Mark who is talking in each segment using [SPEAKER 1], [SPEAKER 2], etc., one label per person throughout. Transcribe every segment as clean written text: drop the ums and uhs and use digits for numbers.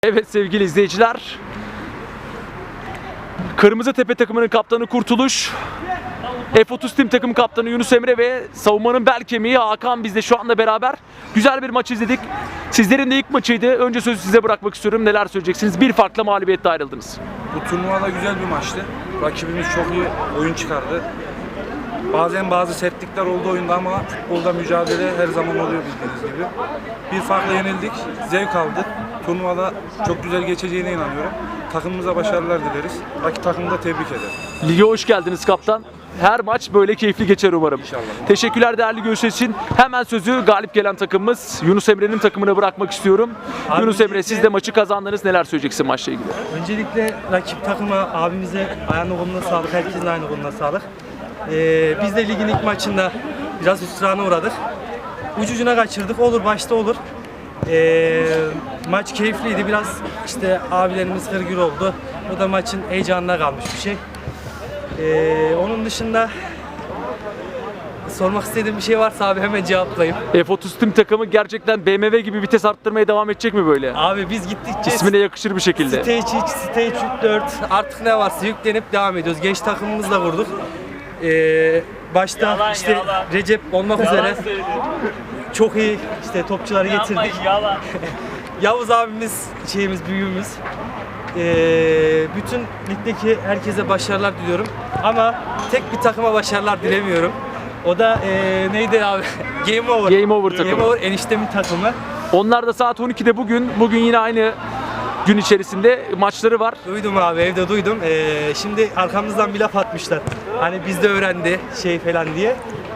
[SPEAKER 1] Evet sevgili izleyiciler, Kırmızı Tepe takımının kaptanı Kurtuluş, F30 Team takım kaptanı Yunus Emre ve savunmanın bel kemiği Hakan bizle şu anda beraber. Güzel bir maç izledik. Sizlerin de ilk maçıydı. Önce sözü size bırakmak istiyorum. Neler söyleyeceksiniz? Bir farklı mağlubiyetle ayrıldınız.
[SPEAKER 2] Bu turnuvada güzel bir maçtı. Rakibimiz çok iyi oyun çıkardı. Bazen bazı sertlikler oldu oyunda ama futbolda mücadele her zaman oluyor bildiğiniz gibi. Bir farkla yenildik, zevk aldık. Turnuvada çok güzel geçeceğine inanıyorum. Takımımıza başarılar dileriz. Rakip takımı da tebrik ederim.
[SPEAKER 1] Lige hoş geldiniz kaptan. Her maç böyle keyifli geçer umarım.
[SPEAKER 2] İnşallah.
[SPEAKER 1] Teşekkürler değerli görüşler için. Hemen sözü galip gelen takımımız Yunus Emre'nin takımına bırakmak istiyorum.
[SPEAKER 3] Abi
[SPEAKER 1] Yunus Emre, siz de maçı kazandınız. Neler söyleyeceksin maçla ilgili?
[SPEAKER 3] Öncelikle rakip takıma, abimize ayağına koluna sağlık, herkesin ayağına koluna sağlık. Biz de ligin ilk maçında biraz hüsrana uğradık. Ucucuna kaçırdık, olur başta olur. Maç keyifliydi, biraz işte abilerimiz hırgür oldu. O da maçın heyecanına kalmış bir şey. Onun dışında sormak istediğim bir şey varsa abi hemen cevaplayayım.
[SPEAKER 1] F30 Team takımı gerçekten BMW gibi vites arttırmaya devam edecek mi böyle?
[SPEAKER 3] Abi biz gittikçe
[SPEAKER 1] İsmine yakışır bir şekilde.
[SPEAKER 3] Stage 3, Stage 4 artık ne varsa yüklenip devam ediyoruz. Genç takımımızla kurduk. Başta işte Recep olmak üzere çok iyi işte topçuları getirdik. Yavuz abimiz büyüğümüz. Bütün ligdeki herkese başarılar diliyorum. Ama tek bir takıma başarılar dilemiyorum. O da neydi abi? Game Over.
[SPEAKER 1] Game Over takımı.
[SPEAKER 3] Game Over eniştemin takımı.
[SPEAKER 1] Onlar da saat 12'de bugün yine aynı gün içerisinde maçları var.
[SPEAKER 3] Duydum abi, evde duydum. Şimdi arkamızdan bir laf atmışlar. Hani bizde öğrendi şey falan diye.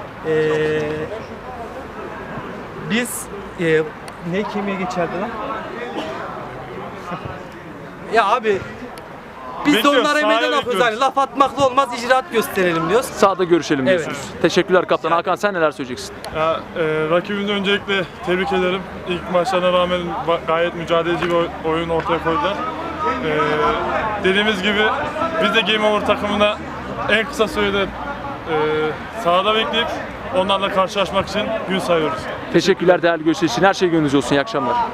[SPEAKER 3] Biz ne kemiğe geçerdi lan? Ya abi biz de onlara meydan okuyoruz. Hani laf atmakla olmaz, icraat gösterelim diyoruz.
[SPEAKER 1] Sahada görüşelim
[SPEAKER 3] Evet.
[SPEAKER 1] diyorsunuz. Teşekkürler kaptan. Hakan, sen neler söyleyeceksin?
[SPEAKER 4] Ya, rakibimizi öncelikle tebrik ederim. İlk maçlarına rağmen gayet mücadeleci bir oyun ortaya koydular. Dediğimiz gibi biz de Game Over takımına en kısa sürede sahada bekleyip onlarla karşılaşmak için gün sayıyoruz.
[SPEAKER 1] Teşekkürler değerli görüşler için. Her şey gönlünüzce olsun. İyi akşamlar.